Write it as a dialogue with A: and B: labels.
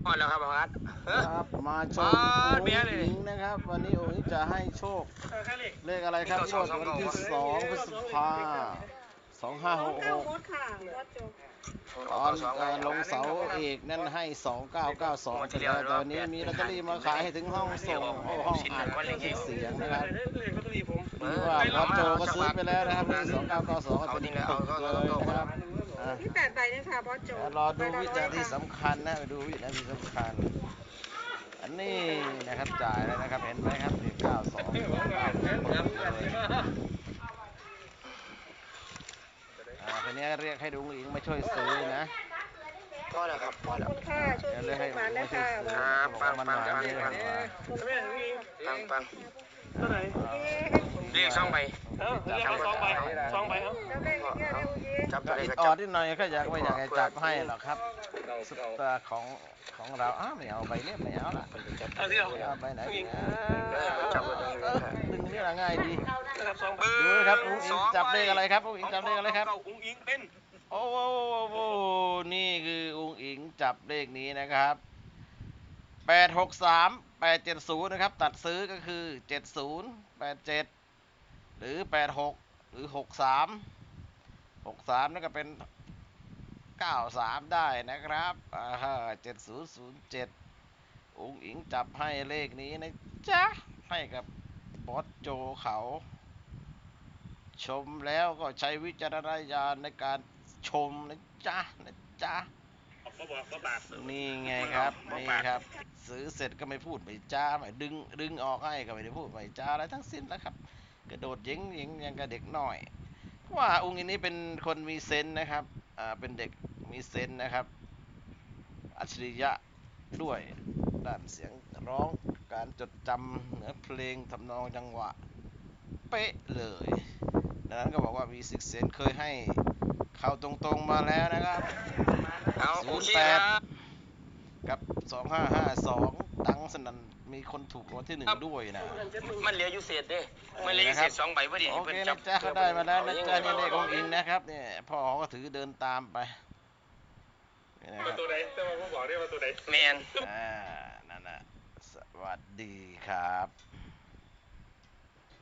A: พอแล้วครับครับ
B: ครับมาชมองค์หญิงนะครับวันนี้องค์หญิงจะให้โชคเลขอะไรครับงวดวันที่2 พฤษภา2566ตอนลงเสาเอกนั้นให้2992ไปแล้วตอนนี้มีลอตเตอรี่มาขายให้ถึงห้องส่งห้องอัดเสียงนะครับดีว่าบอสโจก็ซื้อไปแล้วนะครับนี่2992เต็มปึกเลยนะครับ
C: ที่8 ใบนี่ค่ะบอสโจ
B: รอดูวินาทีสำคัญนะดูวินาทีสำคัญอันนี้นะครับจ่ายแล้วนะครับเห็นไหมครับนี่92 9ปึกเลยทีนี้เรียกให้ลุงอิงมาช่วยซื้อนะ
A: พอแล้วครับพอแล้ว
C: ขอบคุณค่ะช่วยดีทุกวันนะคะ
B: มันหมายเยอะกว่า
A: ปังเรียก2 ใบจับตัวเลข
B: ออดนิดหน่อยก็อยากไม่อยากให้จับให้หรอกครับซุปตาของเราไม่เอาใบนี้ไม่เอาละเอาใบไหนดึงนี่ละง่ายดีดูนะครับลุงอิงจับเลขอะไรครับลุงอิงจับเลขอะไรครับ
A: อุ้งอิงเป็น
B: โอ้โหนี่คือลุงอิงจับเลขนี้นะครับ863 870นะครับตัดซื้อก็คือ70 87หรือ86หรือ63นั่นก็เป็น93ได้นะครับ7007องค์อิงจับให้เลขนี้นะจ๊ะให้กับบอสโจเขาชมแล้วก็ใช้วิจารณญาณในการชมนะจ๊ะนี่ไงครับนี่ครับซื้อเสร็จก็ไม่พูดไม่จ้าไม่ดึงออกให้ก็ไม่ได้พูดไม่จ้าอะไรทั้งสิ้นแล้วครับกระโดดยิงยังกับเด็กน้อยว่าองค์นี้เป็นคนมีเซนส์นะครับเป็นเด็กมีเซนส์นะครับอัจฉริยะด้วยด้านเสียงร้องการจดจำเนื้อเพลงทำนองจังหวะเป๊ะเลยดังนั้นก็บอกว่ามีซิกเซนเคยให้เข้าตรงๆมาแล้วนะครับ08กับ2552ตังสนั่นมีคนถูกรางวัลที่1ด้วยนะ
A: มันเหลืออยู่เศษเด้มันเหลืออยู่เศษ2 ใบพอดี
B: โอเคนะจ๊ะเขาได้มาแล้วนะจ๊ะนี่เลของค์อิงนะครับเนี่ยพ่อก็ถือเดินตามไป
D: ตัวไหนแต่ว่าผมบอกได้ว่าตัวไหน
A: แมน
B: นั่นนะสวัสดีครับ